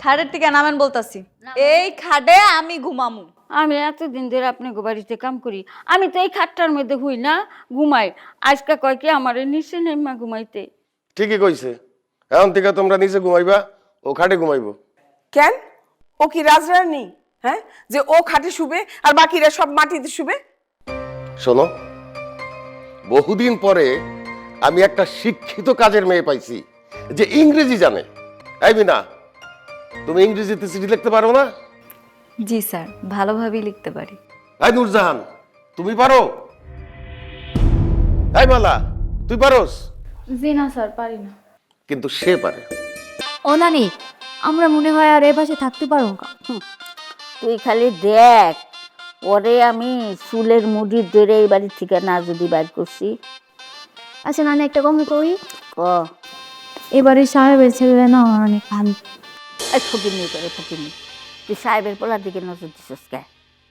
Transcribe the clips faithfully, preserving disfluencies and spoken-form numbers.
খাটের থেকে নামেন বলতাছি। এই খাটে আমি ঘুমামু। আমি এতদিন ধরে আপনাকে বাড়িতে কাম করি, আমি তো এই খাটটার মধ্যে হুই না ঘুমাই। আজকে কয় কি আমার নিচে নেমা ঘুমাইতে। ঠিকই কইছে, এখন থেকে তোমরা নিচে ঘুমাইবা, ও খাটে ঘুমাইবো। কেন? ও কি রাজরানী? হ্যাঁ, যে ও খাটে শুবে আর বাকিরা সব মাটিতে শুবে? শোনো, বহুদিন পরে আমি একটা শিক্ষিত কাজের মেয়ে পাইছি যে ইংরেজি জানে। এই মিনা, তুমি ইংরেজিতে চিঠি লিখতে পারো না? জি স্যার, ভালোভাবেই লিখতে পারি। এই নূরজাহান, তুমি পারো? এই মালা, তুই পারোস? জি না স্যার, পারি না। কিন্তু সে পারে। ও নানি, আমরা মনে হয় আর এ পাশে থাকতে পারবো না। তুই খালি দেখ, ওরে আমি চুলের মুড়ি ধরে এই বাড়ি থেকে না যদি বাইর করছি। আচ্ছা নানি, একটা কমে কই, ক এবারে সাহেবের ছেলে না অনেক ভালো। এই ফকির নেই করে ফকির নেই, তুই সাহেবের পোলার দিকে নজর দিছিস কে?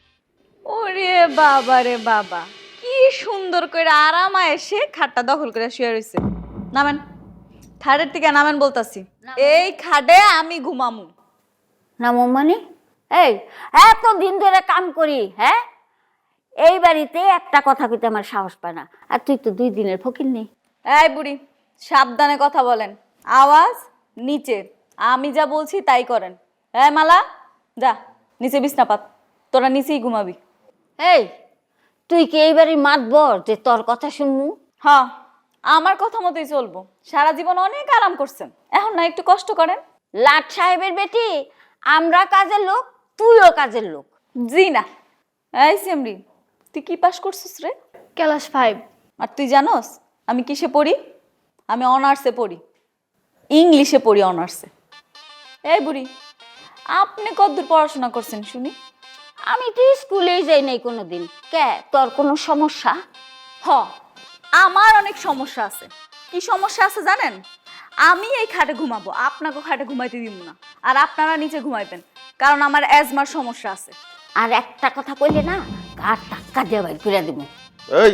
ওরে বাবা রে বাবা, কি সুন্দর করে আরামা এসে খাটটা দখল করে শুয়ে রইছে। নামেন, খাটের থেকে নামেন বলতাছি। এই খাটে আমি ঘুমামু। না মানে এই এত দিন ধরে কাম করি, হ্যাঁ, এই বাড়িতে একটা কথা কইতে আমার সাহস পায় না, আর তুই তো দুই দিনের ফকির নেই। এই বুড়ি, সাবধানে কথা বলেন, আওয়াজ নিচে। আমি যা বলছি তাই করেন। এই মালা, যা নিচে বিছনা পাত, তোরা নিচেই ঘুমাবি। এই তুই কি এই বাড়ির মাতবর যে তোর কথা শুনমু? হ্যাঁ, আমার কথা মতোই চলবো। সারা জীবন অনেক আরাম করছেন, এখন না একটু কষ্ট করেন। লাট সাহেবের বেটি, আমরা কাজের লোক, তুইও কাজের লোক। জি না। এই সেমরি, তুই কি পাস করছিস রে? Class five. আর তুই জানোস আমি কিসে পড়ি? আমি অনার্সে পড়ি, ইংলিশে পড়ি অনার্সে। এই বুড়ি, আপনি কতদূর পড়াশোনা করছেন শুনি? আমি তো স্কুলেই যাই নাই কোনোদিন। কে, তোর কোনো সমস্যা? হ, আমার অনেক সমস্যা আছে। কি সমস্যা আছে জানেন? আমি এই খাটে ঘুমাবো, আপনাকে খাটে ঘুমাইতে দিব না। আর আপনারা নিচে ঘুমাইবেন, কারণ আমার অ্যাজমার সমস্যা আছে। আর একটা কথা কইলে না, গার টাক্কা দিয়ে বাইর করে দিব। এই,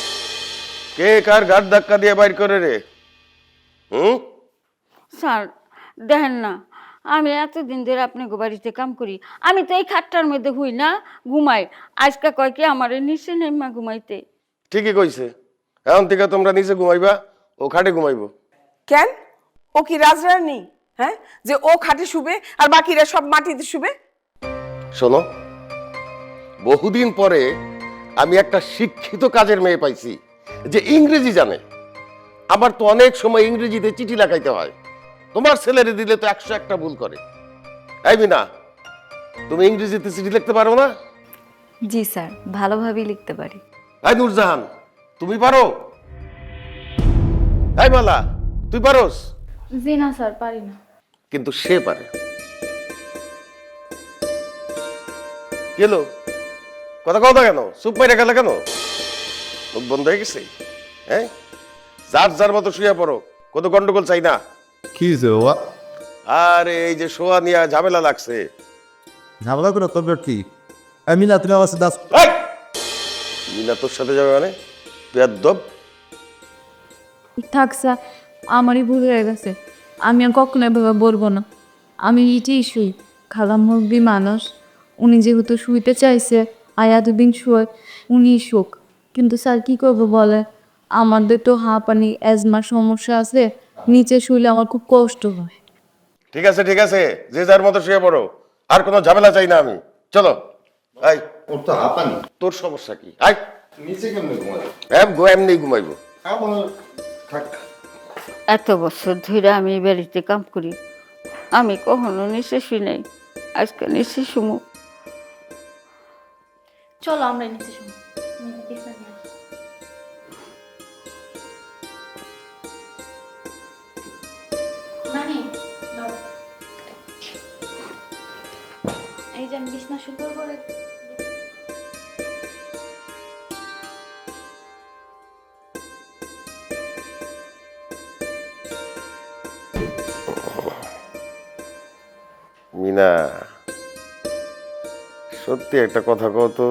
কে কার ঘাট ধাক্কা দিয়ে বাইর করে রে? হুম? স্যার দেখেন না, আমি এতদিন ধরে আপনাকে বাড়িতে কাম করি, আমি তো এই খাটটার মধ্যে হুই না ঘুমাই। আজকে কয় কি আমার নিচে নেমা ঘুমাইতে। ঠিকই কইছে, এখন থেকে তোমরা নিচে ঘুমাইবা, ও খাটে ঘুমাইবো। কেন? ও কি রাজরানী? হ্যাঁ, যে ও খাটে শুবে আর বাকিরা সব মাটিতে শুবে? শোনো, বহুদিন পরে আমি একটা শিক্ষিত কাজের মেয়ে পাইছি যে ইংরেজি জানে। আমার তো অনেক সময় ইংরেজিতে চিঠি লেখাইতে হয়, তোমার ছেলেরে দিলে তো একশো একটা ভুল করে। এই মিনা, তুমি ইংরেজিতে চিঠি লিখতে পারো না? জি স্যার, ভালোভাবেই লিখতে পারি। এই নূরজাহান, তুমি পারো? এই মালা, তুই পারোস? জি না স্যার, পারি না। কিন্তু সে পারে। গেল কথা কথা কেন চুপ মাইরা গেল কেন? মুখ বন্ধ হয়ে গেছে? হ্যাঁ, যার যার মতো শুয়ে পড়ো, কত গন্ডগোল চাই না। কি হয়েছে বাবা? আর এই যে শোয়া নিয়ে ঝামেলা লাগছে। ঝামেলা করে তোর কি? আমি না, তুমি আমার সাথে আস- এই! মিনা তোর সাথে যাবে মানে? বেয়াদব। থাক স্যার, আমারই ভুল হয়ে গেছে। আমি আর কখনো এভাবে বলবো না। আমি ইটেই শুই, খালাম মুরগি মানুষ। উনি যেহেতু শুইতে চাইছে, আয়াদুবিন শুয়ে উনি শুক। কিন্তু স্যার কি করবো বলে, আমাদের তো হাঁপানি অ্যাজমার সমস্যা আছে, নিচে শুইলে আমার খুব কষ্ট হয়। ঠিক আছে ঠিক আছে, যে যার মতো শুয়ে পড়ো, আর কোনো ঝামেলা চাই না আমি। চলো। আই, ওর তো হাঁপানি। তোর সমস্যা কি? আই, নিচে কেমনে ঘুমাবে? এম গো এমনি ঘুমাইবো। আমার থাক। এত বছর ধরে আমি এই বাড়িতে কাম করি, আমি কখনো নিচে শুই নাই, আজকে নিচে শুমু। চলো আমরা নিচে শুনি। এই যে আমি বিছনা সুন্দর করে মিনা, সত্যি একটা কথা কও তো,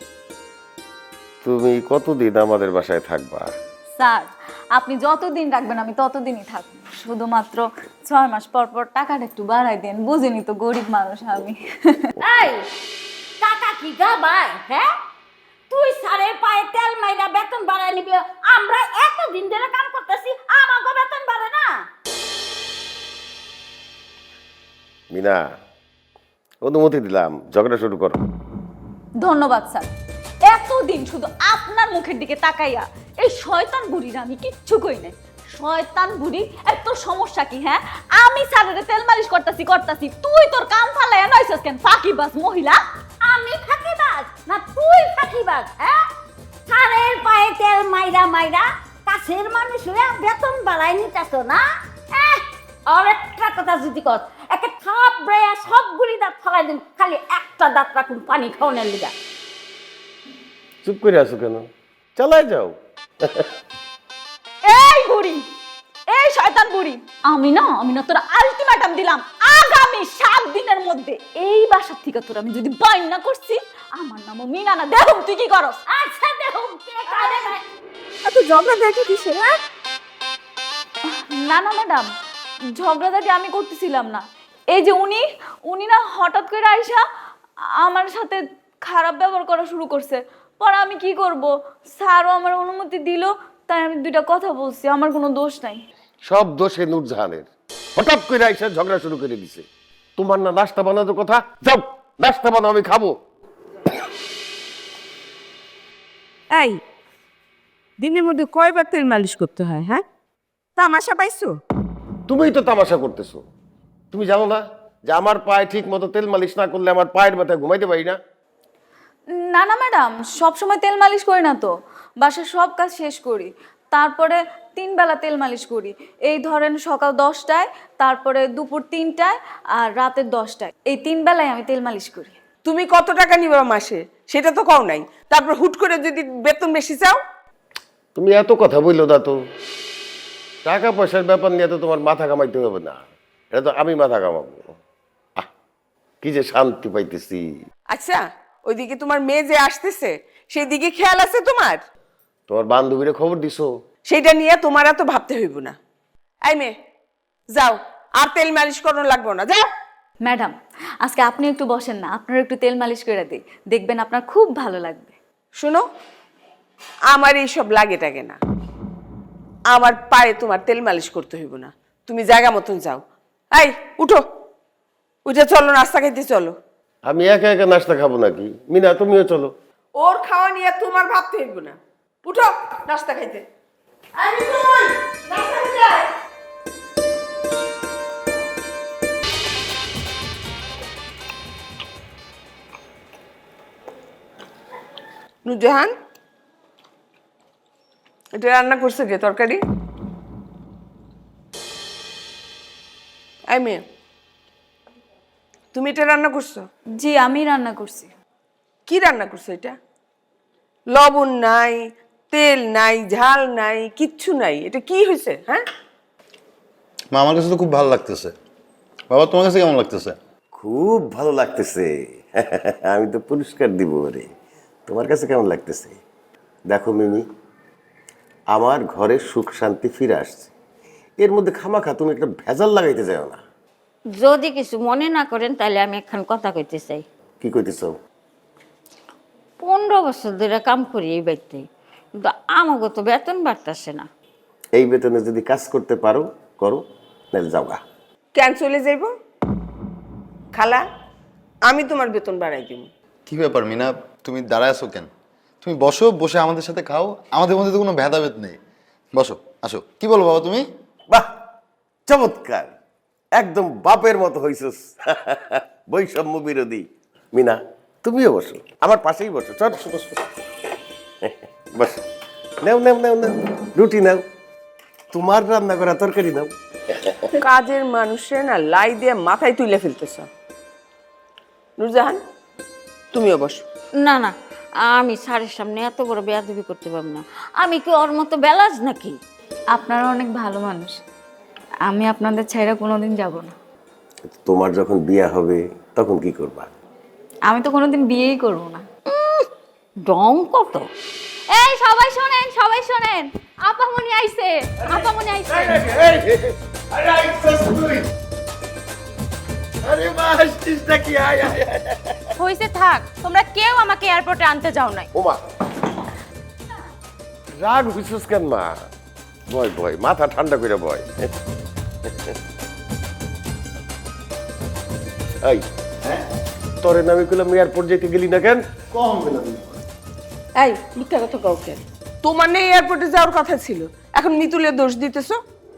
তুমি কতদিন আমাদের বাসায় থাকবা? স্যার, আপনি যতদিন রাখবেন আমি ততদিনই থাকবো। শুধুমাত্র ছয় মাস পর পর টাকাটা একটু বাড়াই দেন, বুঝিনি তো গরিব মানুষ আমি। এই টাকা কি গাবাই? হ্যাঁ, তুই স্যারের পায়ে তেল মাইরা বেতন বাড়ায় নিবি, আমরা এতদিন ধরে কাম করতেছি, আমাকে বেতন বাড়ে না? মিনা, অনুমতি দিলাম, ঝগড়া শুরু করো। ধন্যবাদ স্যার। এতদিন শুধু আপনার মুখের দিকে তাকাইয়া এই শয়তান বুড়ির আমি কিচ্ছু কই নাই। শয়তান বুড়ি, এত সমস্যা কি? হ্যাঁ, আমি স্যারের তেল মালিশ করতেছি করতেছি, তুই তোর কাম ফালাইয়া নইছস কেন? ফাঁকিবাজ মহিলা। আমি ফাঁকিবাজ না তুই ফাঁকিবাজ? হ্যাঁ, স্যারের পায়ে তেল মাইরা মাইরা কাছের মানুষ হয়ে বেতন বাড়াই নিতেছ না? এহ, আর একটা কথা যদি কর, একটা থাপ ব্রেয়া সবগুলি দাঁত ফালাই দিন, খালি একটা দাঁত রাখুন পানি খাওয়ানোর লিগা। চুপ করে আছো কেন? চালাই যাও। এই বুড়ি, এই শয়তান বুড়ি, আমি না আমি না তোর আলটিমেটাম দিলাম, আগামী সাত দিনের মধ্যে এই বাসার থেকে তোর আমি যদি বাইন না করছি, আমার নামও মিনা না। দেখুন তুই কি করস। আচ্ছা দেখুন কে কারে না। এত ঝগড়া দেখে কিসের? হ্যাঁ, না না ম্যাডাম, ঝগড়াঝাটি আমি করতেছিলাম না। এই যে উনি উনি না হঠাৎ করে আইসা আমার সাথে খারাপ ব্যবহার করা শুরু করছে। পরে আমি কি করব, স্যারও আমার অনুমতি দিল, তাই আমি দুইটা কথা বলছি, আমার কোনো দোষ নাই। সব দোষে নূরজাহানের। হঠাৎ করে আইসা ঝগড়া শুরু করে দিছে। তোমার না নাস্তা বানানোর কথা? যাও নাস্তা বানাও, আমি খাবো। এই দিনের মধ্যে কয়বার তেল মালিশ করতে হয়? হ্যাঁ, তামাশা পাইছো? তুমিই তো তামাশা করতেছো। তুমি জানো না যে আমার পায়ে ঠিক মতো তেল মালিশ না করলে আমার পায়ের ব্যথায় ঘুমাইতে পারি না? না না ম্যাডাম, সব সময় তেল মালিশ করি না তো, বাসার সব কাজ শেষ করি, তারপরে তিন বেলা তেল মালিশ করি। এই ধরেন সকাল দশটায়, তারপরে দুপুর তিনটায়, আর রাতের দশটায়, এই তিন বেলায় আমি তেল মালিশ করি। তুমি কত টাকা নিবা মাসে সেটা তো কও নাই, তারপর হুট করে যদি বেতন বেশি চাও? তুমি এত কথা বললো না তো। টাকা পয়সার ব্যাপার নিয়ে তো তোমার মাথা কামাইতে হবে না, এটা তো আমি মাথা কামাবো। আহ, কি যে শান্তি পাইতেছি। আচ্ছা, ওইদিকে তোমার মেয়ে যে আসতেছে সেই দিকে খেয়াল আছে তোমার? তোমার বান্ধবীরে খবর দিছো? সেইটা নিয়ে তোমার এত ভাবতে হইব না। এই মেয়ে, যাও, আর তেল মালিশ করানো লাগবো না, যাও। ম্যাডাম, আজকে আপনি একটু বসেন না, আপনার একটু তেল মালিশ করে দিই, দেখবেন আপনার খুব ভালো লাগবে। শোনো, আমার এইসব লাগে টাগে না, আমার পায়ে তোমার তেল মালিশ করতে হইব না, তুমি জায়গা মতন যাও। এই উঠো, উঠে চলো, নাস্তা খাইতে চলো। আমি একা একা নাস্তা খাবো নাকি? মিনা তুমিও চলো। ওর খাওয়া নিয়ে তোমার ভাবতে হইব না, উঠো নাস্তা খাইতে। নুরজাহান, এটা রান্না করছে কে তরকারি? এই মেয়ে, তুমি এটা রান্না করছো? জি, আমি রান্না করছি। কি রান্না করছো এটা? লবণ নাই, তেল নাই, ঝাল নাই, কিচ্ছু নাই, এটা কি হয়েছে? হ্যাঁ, মা আমার কাছে তো খুব ভালো লাগতেছে। বাবা তোমার কাছে কেমন লাগতেছে? খুব ভালো লাগতেছে। আমি তো পুরস্কার দিব রে। তোমার কাছে কেমন লাগতেছে? দেখো মিমি, আমার ঘরে সুখ শান্তি ফিরে আসছে, এর মধ্যে খামাখা তুমি একটা ভেজাল লাগাইতে যাও না। যদি কিছু মনে না করেন তাহলে আমি একখান কথা কইতে চাই। কি কইতেছ? পনেরো বছর ধরে কাম করি এই বাড়িতে, কিন্তু আমাকে তো বেতন বাড়তেছে না। এই বেতনে যদি কাজ করতে পারো করো, নাহলে যাও গা। কেন চলে যাইব? খালা, আমি তোমার বেতন বাড়াই দিব। কি ব্যাপার মিনা, তুমি দাঁড়ায় আছো কেন? তুমি বসো, বসে আমাদের সাথে খাও, আমাদের মধ্যে তো কোনো ভেদাভেদ নেই। বসো, আসো। কি বলো বাবা তুমি? বাহ, চমৎকার, একদম বাপের মতো হইছস। বৈষম্য বিরোধী। মিনা তুমিও বসো, আমার পাশেই বসো। চল বসো বসো বস। নাও নাও নাও নাও, রুটি নাও, তোমার রান্না করা তরকারি নাও। কাজের মানুষের না লাই দিয়ে মাথায় তুলে ফেলতেছ। নুরজাহান, তুমিও বসো। না না, আমি স্যারের সামনে এত বড় বেয়াদবি করতে পারবো না। আমি কি ওর মতো বেলাজ নাকি? আপনারা অনেক ভালো মানুষ, আমি আপনাদের ছাইরা কোনোদিন যাব না। তোমার যখন বিয়ে হবে তখন কি করবা? আমি তো কোনোদিন বিয়েই করব না। ডং কত! এই সবাই শোনেন, সবাই শোনেন, আপামনি আইছে, আপামনি আইছে। আরে আইছস তুই? আরে মা আসছিস নাকি? আয় আয় আয়। হইছে থাক, তোমরা কেউ আমাকে এয়ারপোর্টে আনতে যাও নাই। ওমা রাগ হইছিস কেন মা? বয় বয়, মাথা ঠান্ডা করে বয়। এই তোরে নামে কইলাম এয়ারপোর্ট যেতে গেলি না কেন? কম গেলাম এই মিথ্যা কথা কাউকে, তোমার নেই এয়ারপোর্টে যাওয়ার কথা ছিল, এখন মিতুলের দোষ দিতেছো।